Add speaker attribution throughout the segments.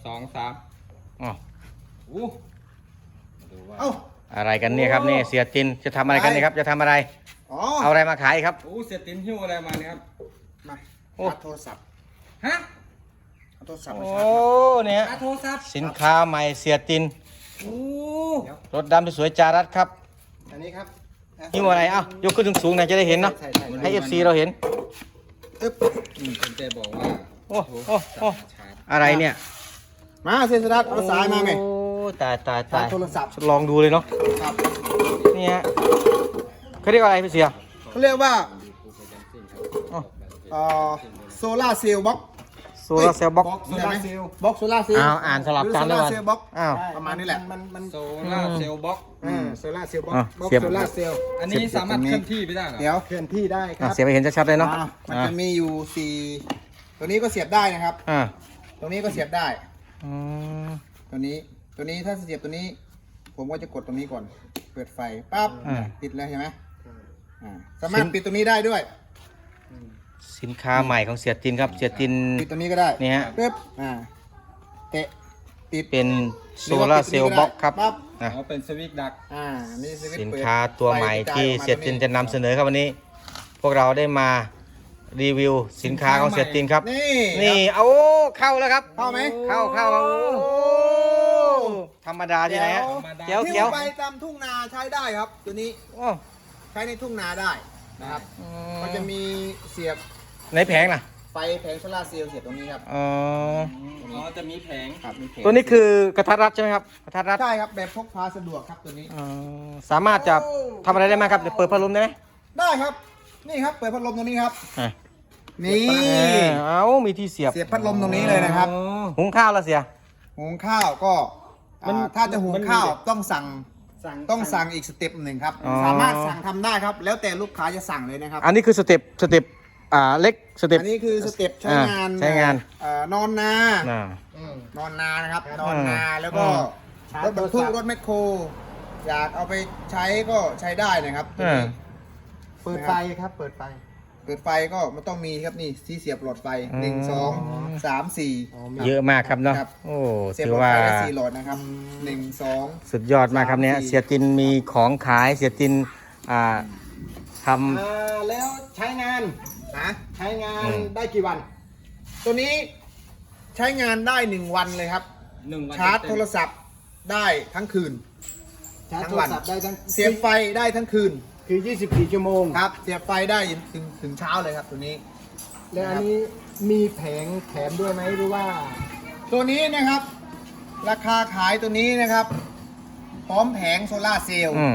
Speaker 1: 2 3
Speaker 2: อ๋อ
Speaker 1: อู้มาดูว่า
Speaker 3: เอ้า
Speaker 2: อะไรกันเนี่ยครับนี่เสียตินจะทำอะไรกันเนี่ยครับจะทำอะไร
Speaker 3: อ๋อ
Speaker 2: เอาอะไรมาขายครับ
Speaker 1: อู้เสียตินหิ้วอะไรมาเนี่ยครับ
Speaker 3: มา
Speaker 2: โอ้
Speaker 3: ชาร์จโทรศัพท์
Speaker 1: ฮะ
Speaker 3: เอาโทรศัพท์มา
Speaker 2: โอ้
Speaker 3: ชาร์จ
Speaker 2: เนี่ย
Speaker 1: โทรศัพท์
Speaker 2: สินค้าใหม่เสียติน
Speaker 1: อู้
Speaker 2: รถดำสวยๆจารัสครับ
Speaker 3: อันนี้ครับ
Speaker 2: หิ้วอะไรเอ้ายกขึ้นสูงๆหน่อยจะได้เห็นเนาะ
Speaker 3: ใช่ใช่
Speaker 2: ให้ FC เราเห็น
Speaker 3: ตึ๊บ
Speaker 1: คุณเจบอกว่า
Speaker 2: โอ้โอ้โอ้
Speaker 1: ชาร์จ
Speaker 2: อะไรเนี่ย
Speaker 3: มาเซนสดัตเอาสายมาไหม
Speaker 2: โอ้ตายตาย
Speaker 3: ชา
Speaker 2: ตา
Speaker 3: ร์
Speaker 2: ย
Speaker 3: จโทรศัพท์
Speaker 2: ลองดูเลยเนาะ
Speaker 3: ครับ
Speaker 2: นี่ฮะเขาเรียกว่าอะไรพี่เสีย
Speaker 3: เขาเรียกว่า
Speaker 2: อ๋อ
Speaker 3: โซล่าเซลล์บ็อก
Speaker 2: โซลาร์เซลล์บ็อก
Speaker 3: โซล่าเซลล์บ็อกโซล่าเซลล์
Speaker 2: อ้าวอ่านสลับกัน
Speaker 3: ห
Speaker 2: ด้
Speaker 3: รื
Speaker 2: วย
Speaker 3: โซล่าเซลล์บ็อก
Speaker 2: อ้าว
Speaker 3: ประมาณนี้แหละมัน
Speaker 1: โซล่าเซลล์บ็อก
Speaker 3: โซล่าเซลล์บ็อก
Speaker 2: อ่ะ
Speaker 3: บ็อก
Speaker 2: เสียบ
Speaker 3: โซล่าเซลล์
Speaker 1: อันนี้สามารถเคลื่อนที่ไปได้เหรอ
Speaker 3: เดี๋ยวเคลื่อนที่ได้ค
Speaker 2: อ่ะ
Speaker 3: รับ
Speaker 2: เสียบไปเห็นชัดๆเลยเนาะ
Speaker 3: มันจะมีอยู่4ตัวนี้ก็เสียบได้นะครับ
Speaker 2: อ่า
Speaker 3: ตรงนี้ก็เสียบได้
Speaker 2: อืม
Speaker 3: ตัวนี้ถ้าเสียบตัวนี้ ผมก็จะกดตรงนี้ก่อน เปิดไฟปั๊บ
Speaker 2: อ่า
Speaker 3: ปิดเลยเห็นไหมสามารถปิดตัวนี้ได้ด้วย
Speaker 2: สินค้าใหม่ของเสียตินครับเสียติน
Speaker 3: ปิดตัวนี้ก็ได้
Speaker 2: นี่ฮะ
Speaker 3: ปึ๊บเตะปิด
Speaker 2: เป็นโซลาร์เซลล์บ็อกครับ
Speaker 3: ปั๊บ
Speaker 2: นะ
Speaker 1: อ๋อเป็นสวิตช์ดัก
Speaker 3: นี่สวิตช์
Speaker 2: สิน
Speaker 3: เปิด
Speaker 2: ค้าตัวใหม่
Speaker 3: ไฟกระจา
Speaker 2: ที่
Speaker 3: ออกมา
Speaker 2: เสียติน
Speaker 3: ตรง
Speaker 2: จะนำเสนอครับวันนี้ พวกเราได้มารีวิวสินค้าของเสียตินครับ
Speaker 3: นี่
Speaker 2: นี่เอาเข้าแล้วครับ
Speaker 3: เข้าไหม
Speaker 2: เข้าโอ้ธรรมดาที่ไหนฮะเขียว
Speaker 3: หิ้
Speaker 2: เขียว
Speaker 3: ไปตามทุ่งนาใช้ได้ครับ ตัวนี้
Speaker 2: โอ้
Speaker 3: ใช้ในทุ่งนาได้นะครับ มันจะมีเสียบ
Speaker 2: ไหนแผงล่ะ
Speaker 3: ไฟแผงโซลาร์เซลล์เสียบตรงนี้ครับ
Speaker 2: อ๋อ
Speaker 1: อ๋อจะมีแผง
Speaker 3: ครับมีแผง
Speaker 2: ตัวนี้คือกระทัดรัดใช่ไหมครับกระทัดรัด
Speaker 3: ใช่ครับแบบพกพาสะดวกครับตัวนี้
Speaker 2: อ๋อสามารถจะทำอะไรได้ไหมครับเดี๋ยวเปิดพัดลมได้ไหม
Speaker 3: ได้ครับ นี่ครับเปิดพัดลมตรงนี้ครับ
Speaker 2: อ่ะ
Speaker 3: นี่
Speaker 2: เอามีที่เสียบ
Speaker 3: เสียบพัดลมตรงนี้เลยนะครับ
Speaker 2: หุงข้าวแล้วเสีย
Speaker 3: หุงข้าวก็ถ้าจะหุงข้าวต้องสั่งอีกสเต็ปหนึ่งครับ
Speaker 2: อ๋อ
Speaker 3: สามารถสั่งทำได้ครับ แล้วแต่ลูกค้าจะสั่งเลยนะครับ
Speaker 2: อันนี้คือสเต็ปเล็กสเต็ป
Speaker 3: อันนี้คือสเต็ปใช้งาน
Speaker 2: ใช้งาน
Speaker 3: นอนนา
Speaker 2: อ่า
Speaker 3: นอนนานะครับ นอนนาแล้วก็
Speaker 2: อืม
Speaker 3: รถบรรทุกรถแมคโครอยากเอาไปใช้ก็ใช้ได้นะครับตัวนี้
Speaker 4: เปิดไฟครับ เปิดไฟ
Speaker 3: เปิดไฟก็มันต้องมีครับนี่ที่เสียบหลอดไฟ
Speaker 2: อืม
Speaker 3: 1 2 3 4
Speaker 2: เยอะมากครับเนาะ
Speaker 3: ครับ
Speaker 2: โอ้
Speaker 3: เสียบ
Speaker 2: ถื
Speaker 3: ห
Speaker 2: อ
Speaker 3: ลอด
Speaker 2: ว่า
Speaker 3: ไฟได้4หลอดนะครับ1 2
Speaker 2: สุดยอดมากครับเนี่ย
Speaker 3: 3 4
Speaker 2: เสียตินมีของขายเสียตินท
Speaker 4: แล้วใช้งาน
Speaker 3: นะ
Speaker 4: ใช้งาน
Speaker 2: อืม
Speaker 4: ได้กี่วัน
Speaker 3: ตัวนี้ใช้งานได้1วันเลยครับ
Speaker 1: 1 วัน
Speaker 3: ชาร์จ
Speaker 1: เต็ม
Speaker 3: โทรศัพท์ได้ทั้งคืน
Speaker 4: ชาร์จ
Speaker 3: ทั้
Speaker 4: โท
Speaker 3: ง
Speaker 4: ร
Speaker 3: วัน
Speaker 4: ศัพท์ได้ทั้ง
Speaker 3: เสียบไฟได้ทั้งคืน
Speaker 4: คือ 24 ชั่วโมง
Speaker 3: ครับเสียบไฟได้ถึงเช้าเลยครับตัวนี้
Speaker 4: แล้วอันนี้มีแผงแถมด้วยไหมหรือว่า
Speaker 3: ตัวนี้นะครับ ราคาขายตัวนี้นะครับ พร้อมแผงโซล่าร์เซลล์
Speaker 2: อืม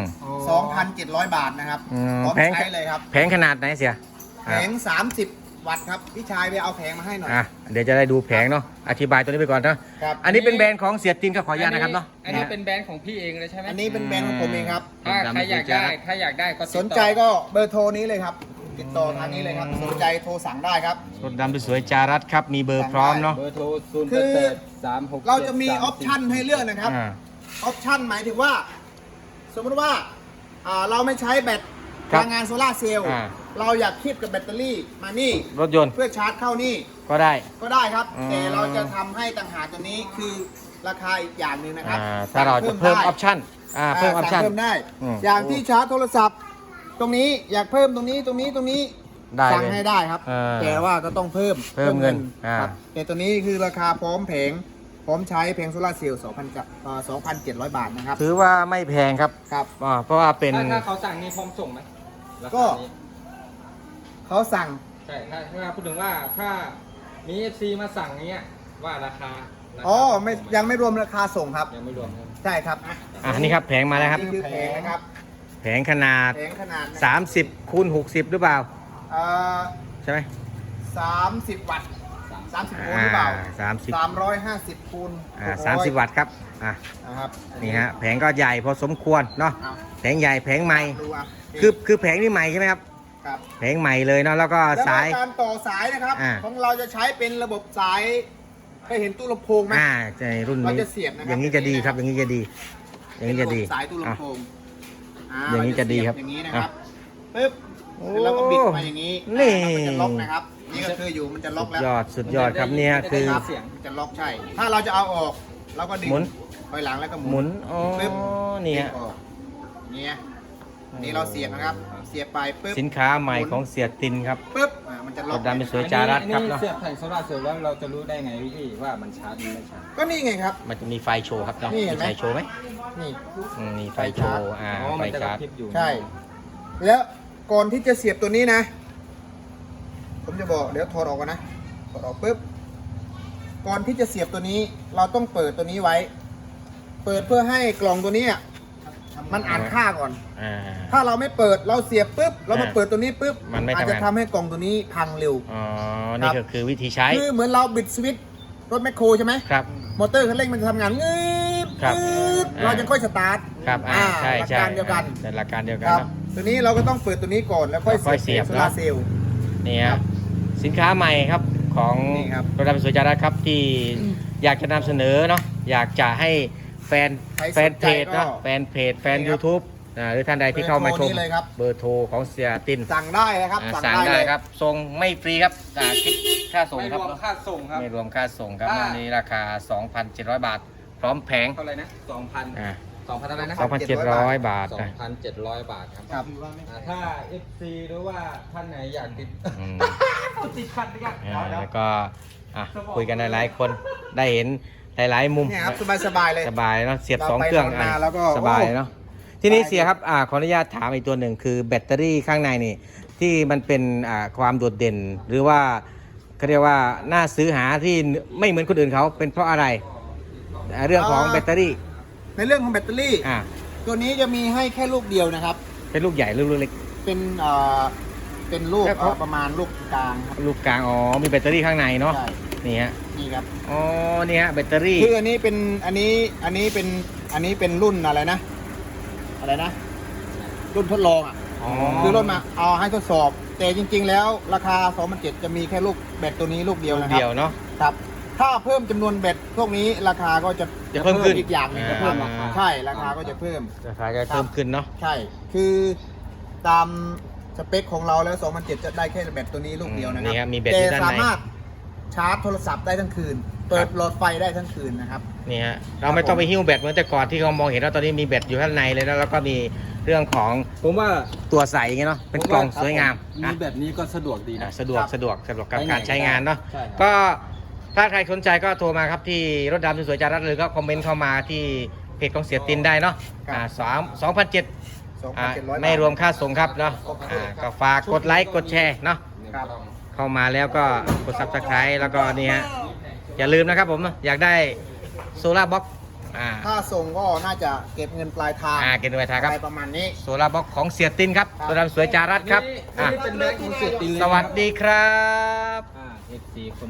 Speaker 3: 2,700 บาทนะครับ
Speaker 2: อืม
Speaker 3: พร้อม
Speaker 2: แผง
Speaker 3: ใช้เลยครับ
Speaker 2: แผงขนาดไหนเสีย
Speaker 3: แผง 30 วัตต์ครับ พี่ชายไปเอาแผงมาให้หน่อย
Speaker 2: เดี๋ยวจะได้ดูแผงเนาะอธิบายตัวนี้ไปก่อนเนาะ
Speaker 3: ครับ
Speaker 2: อันนี้เป็นแบรนด์ของเสียตินครับขออนุญาตนะครับเนาะ
Speaker 1: อันนี้เป็นแบรนด์ของพี่เองเลยใช่ไหม
Speaker 3: อันนี้เป็นแบรนด์ของผมเองครับ
Speaker 1: ถ้าใครอยากได้ก็ติดต่อ
Speaker 3: สนใจก็เบอร์โทรนี้เลยครับ ติดต่อทางนี้เลยครับ สนใจโทรสั่งได้ครับ
Speaker 2: รถดำสวยๆจารัสครับมีเบอร์พร้อมเนาะ
Speaker 1: เบอร์โทร0
Speaker 3: คือ
Speaker 1: 8 3 6
Speaker 3: เราจะมีออปชั่นให้เลือกนะครับ
Speaker 2: อ่า
Speaker 3: ออปชั่นหมายถึงว่า สมมติว่าเราไม่ใช้แบต
Speaker 2: ครับ
Speaker 3: พลังงานโซลาร์เซลล์
Speaker 2: อ่า
Speaker 3: เราอยากคีบกับแบตเตอรี่มานี่
Speaker 2: รถยนต์
Speaker 3: เพื่อชาร์จเข้านี่
Speaker 2: ก็ได้
Speaker 3: ก็ได้ครับ
Speaker 2: อืม
Speaker 3: แต่เราจะทำให้ต่างหากตัวนี้คือราคาอีกอย่างหนึ่งนะครับ
Speaker 2: ถ้าเราจะเพิ่มอ
Speaker 3: ได้
Speaker 2: อปชั่นเพิ่มออปชั่น
Speaker 3: สั่งเพิ่มได้
Speaker 2: อืม
Speaker 3: อย่างที่ชาร์จโทรศัพท์ ตรงนี้อยากเพิ่มตรงนี้
Speaker 2: ได้
Speaker 3: สั่ง
Speaker 2: เลย
Speaker 3: ให้ได้ครับ แต่ว่าก็ต้องเพิ่ม
Speaker 2: เพิ่มเงิน
Speaker 3: ครับแต่ตัวนี้คือราคาพร้อมแผงพร้อมใช้แผงโซลาร์เซลล์2,700 บาทนะครับ
Speaker 2: ถือว่าไม่แพงครับ
Speaker 3: ครับ
Speaker 2: เพราะว่าเป็น
Speaker 1: ถ้าเขาสั่งนี่พร้อมส่งไหมราคา
Speaker 3: ก็
Speaker 1: นี้
Speaker 3: เขาสั่ง
Speaker 1: ใช่ถ้าพูดถึงว่าถ้ามี FC มาสั่งเนี้ยว่าราคา
Speaker 3: อ๋อไม่ยังไม่รวมราคาส่งครับ
Speaker 1: ยังไม่รวมครับ
Speaker 3: ใช่ครับ
Speaker 2: นี่ครับแผงมาแล้วครับ
Speaker 3: นี่คือแผงนะครับ
Speaker 2: แผงขนาด
Speaker 3: แผงขนาดนะครับ
Speaker 2: 30คูณ60หรือเปล่า
Speaker 3: เอ่อ
Speaker 2: ใช่ไหม
Speaker 3: 30 วัตต์30โวลต์หรือเปล่า 350คูณ
Speaker 2: 30 วัตต์ครับ
Speaker 3: นะครับ
Speaker 2: นี่ฮะแผงก็ใหญ่พอสมควรเนาะ
Speaker 3: เอา
Speaker 2: แผงใหญ่แผงใหม่
Speaker 3: ดูอ่ะ
Speaker 2: คือแผงนี่ใหม่ใช่ไหมครับ
Speaker 3: ครับ
Speaker 2: แผงใหม่เลยเนาะแล้วก็
Speaker 3: แล้ว
Speaker 2: สาย
Speaker 3: การต่อสายนะครับ ของเราจะใช้เป็นระบบสายเคยเห็นตู้ลำโพงไหม
Speaker 2: ในรุ่น
Speaker 3: เรา
Speaker 2: นี้
Speaker 3: จะเสียบนะครับ
Speaker 2: อย่างนี้จะดีครับอย่างนี้จะดี อย่างนี้จะดี
Speaker 3: เป็นระบบสายตู้ลำโพง
Speaker 2: อย่างนี้จะดีครับ
Speaker 3: อย่างนี้นะครับปึ๊บแล้วเราก็บิดมาอย่างนี้
Speaker 2: นี่
Speaker 3: มันจะล็อกนะครับนี่ก็คืออยู่มันจะล็อกแล้ว
Speaker 2: สุดยอดครับเนี่ยคือ
Speaker 3: ครับมันจะล็อกใช่ ถ้าเราจะเอาออกเราก็ดึง
Speaker 2: หมุน
Speaker 3: ถอยหลังแล้วก็
Speaker 2: หมุนอ๋อ
Speaker 3: ปึ๊บ
Speaker 2: เนี่ย
Speaker 3: ดึงออกเนี่ยนี่เราเสียบนะครับ เสียบไปปึ๊บ
Speaker 2: สินค้าใหม่ของเสียตินครับ
Speaker 3: ปึ๊บมันจะล็
Speaker 2: ร
Speaker 3: อก
Speaker 2: ถดำเป็นสวยจารัสครับ
Speaker 1: อันนี้
Speaker 2: เนาะ
Speaker 1: เสียบแผงโซลาร์เซลล์แล้วเราจะรู้ได้ไงพี่ว่ามันชาร์จหรือไม่ชาร์จ
Speaker 3: ก็นี่ไงครับ
Speaker 2: มันจะมีไฟโชว์ครับเนาะ
Speaker 3: นี่เห็
Speaker 2: มี
Speaker 3: นไหม
Speaker 2: ไฟโชว์ไหม
Speaker 3: นี่
Speaker 2: มีไฟโชว์
Speaker 1: อ๋อ
Speaker 2: ไฟ
Speaker 1: มันจะก
Speaker 2: ชา
Speaker 1: ระ
Speaker 2: ร์จ
Speaker 1: พริบอยู่
Speaker 3: ใช่ แล้วก่อนที่จะเสียบตัวนี้นะ ผมจะบอกเดี๋ยวถอดออกก่อนนะถอดออกปุ๊บก่อนที่จะเสียบตัวนี้ เราต้องเปิดตัวนี้ไว้ เปิดเพื่อให้กล่องตัวนี้อะมันอ่านค่าก่อน
Speaker 2: อ่า
Speaker 3: ถ้าเราไม่เปิดเราเสียบปุ๊บเรามาเปิดตัวนี้ปุ๊บ
Speaker 2: มันไม่ทำงาน
Speaker 3: อาจจะทำให้กล่องตัวนี้พังเร็ว
Speaker 2: อ๋อ นี่ก็คือวิธีใช้
Speaker 3: คือเหมือนเราบิดสวิตช์รถแมคโครใช่ไหม
Speaker 2: ครับ
Speaker 3: มอเตอร์คันเร่งมันจะทำงานงืด
Speaker 2: ครับ
Speaker 3: งืดเราจะค่อยสตาร์ท
Speaker 2: ครับใช่
Speaker 3: หลัก
Speaker 2: ใช่
Speaker 3: การเดียวกัน
Speaker 2: เป็นหลักการเดียวกัน
Speaker 3: ครับ
Speaker 2: เนาะ
Speaker 3: ตัวนี้เราก็ต้องเปิดตัวนี้ก่อนแล้วค่อย
Speaker 2: ค่อยเสียบ
Speaker 3: โซลาร์เซลล์
Speaker 2: นี่ครับสินค้าใหม่ครับของ
Speaker 3: นี่ครับ
Speaker 2: รถดำเป็นสวยจารัสครับที่อยากจะนำเสนอเนาะอยากจะให้แฟน
Speaker 3: ใคร
Speaker 2: แฟ
Speaker 3: ส
Speaker 2: น
Speaker 3: น
Speaker 2: เพ
Speaker 3: ใจ
Speaker 2: จ
Speaker 3: ก็
Speaker 2: เนาะแฟนเพจแฟน
Speaker 3: นี่ครับ
Speaker 2: YouTube หรือท่านใดที่เข้ามาชม
Speaker 3: เบอร์โทรนี้เลยครับ
Speaker 2: เบอร์โทรของเสียติน
Speaker 3: สั่งได้นะครับ
Speaker 2: สั่งได้
Speaker 3: เลย
Speaker 2: ครับส่งไม่ฟรีครับคิดค่าส่ง
Speaker 1: ไม่
Speaker 2: ค
Speaker 1: ร
Speaker 2: รับ
Speaker 1: วมค่าส่งครับ
Speaker 2: ไม่รวมค่าส่งครับ
Speaker 1: อ่า
Speaker 2: วันนี้ราคา 2,700 บาท พร้อมแผง
Speaker 1: เท่าไหร่นะ2,000
Speaker 2: อ่า
Speaker 1: 2,000อะไรนะ
Speaker 2: 2,700 บาทนะ
Speaker 1: 2,700 บาทครับ
Speaker 3: ครับ
Speaker 1: ถ้า FC หรือว่าท่านไหนอยากติด
Speaker 2: อืม
Speaker 1: ติดขัดดีกัน
Speaker 2: แล้วก็คุยกันหลายๆคนได้เห็นหลายๆมุม
Speaker 3: เนี่ยครับสบายๆเลย
Speaker 2: สบายเนาะเสียบ
Speaker 3: เรา
Speaker 2: 2
Speaker 3: ไป
Speaker 2: เครื่อง
Speaker 3: ทำงานแล้วก็
Speaker 2: สบาย
Speaker 3: โอ้
Speaker 2: เนาะทีนี้เสียครับขออนุญาตถามอีกตัวหนึ่งคือแบตเตอรี่ข้างในนี่ที่มันเป็นความโดดเด่น หรือว่าเขาเรียกว่าน่าซื้อหาที่ไม่เหมือนคนอื่นเขาเป็นเพราะอะไรเรื่องของแบตเตอรี่
Speaker 3: ในเรื่องของแบตเตอรี่ ตัวนี้จะมีให้แค่ลูกเดียวนะครับ
Speaker 2: เป็นลูกใหญ่ลูกเล็ก
Speaker 3: เป็นลูก
Speaker 2: แล้วเขา
Speaker 3: ประมาณลูกกลางครับ
Speaker 2: ลูกกลางอ๋อมีแบตเตอรี่ข้างในเนาะ
Speaker 3: ใช่
Speaker 2: นี่ฮะ
Speaker 3: นี่ครับ
Speaker 2: อ๋อนี่ฮะแบตเตอรี่
Speaker 3: คืออันนี้เป็นรุ่นอะไรนะ รุ่นทดลองอ่ะ
Speaker 2: อ๋อ
Speaker 3: คือรุ่นมาเอาให้ทดสอบ แต่จริง ๆ แล้วราคา2,700จะมีแค่ลูกแบตตัวนี้ลูกเดียว
Speaker 2: ลูก
Speaker 3: นะครับ
Speaker 2: เดียวเนาะ
Speaker 3: ครับ ถ้าเพิ่มจำนวนแบตพวกนี้ราคาก็จะ
Speaker 2: จะเพิ่มขึ้น
Speaker 3: อีกอย่างหนึงจะเพิ่มราคาใช่ราคาก็จะเพิ่ม
Speaker 2: ราคาจะเพิ่มขึ้นเนาะ
Speaker 3: ใช่ คือตามสเปคของเราแล้ว2,700จะได้แค่แบตตัวนี้ลูกเดียวนะครั
Speaker 2: นี่ครับมีแบต
Speaker 3: แต่
Speaker 2: อยู่ด้านใน
Speaker 3: สามารถชาร์จโทรศัพท์ได้ทั้งคืน เปิดหลอดไฟได้ทั้งคืนนะครับ
Speaker 2: นี่ฮะเราไม่ต้องไปหิ้วแบตเหมือนแต่ก่อนที่เรามองเห็นว่าตอนนี้มีแบตอยู่ข้างในเลยนะแล้วก็มีเรื่องของ
Speaker 1: ผมว่า
Speaker 2: ตัวใสอย่างเงี้ยเนาะเป็นกล่องสวยงาม
Speaker 1: มี
Speaker 2: นะ
Speaker 1: แบบนี้ก็สะดวกดีนะ
Speaker 2: สะดวก
Speaker 3: ครับ
Speaker 2: สะดวกกับ
Speaker 1: ไปไหน
Speaker 2: การใช้งานเนาะ
Speaker 1: ใช่ครับ
Speaker 2: ก็ถ้าใครสนใจก็โทรมาครับที่รถดำสวยๆจารัสหรือก็คอมเมนต์เข้ามาที่เพจของเสียตินได้เนาะ2,700
Speaker 3: 2,700
Speaker 2: ไม่รวมค่าส่งครับเนาะก็ฝากกดไลค์กดแชร์เนาะ
Speaker 3: ครับ
Speaker 2: เข้ามาแล้วก็กด Subscribe แล้วก็นี่ฮะอย่าลืมนะครับผมอยากได้โซลาร์บ็อก
Speaker 3: ถ้าส่งก็น่าจะเก็บเงินปลายทาง
Speaker 2: เกณฑ์ไว้ทางครับ
Speaker 3: อะไรประมาณนี้
Speaker 2: โซลาร์บ็อกของเสียตินครับตัวดำสวยจารัสครับ
Speaker 1: นี่เป็นแบงค์ของเสียตินเลย
Speaker 2: สวัสดีครับ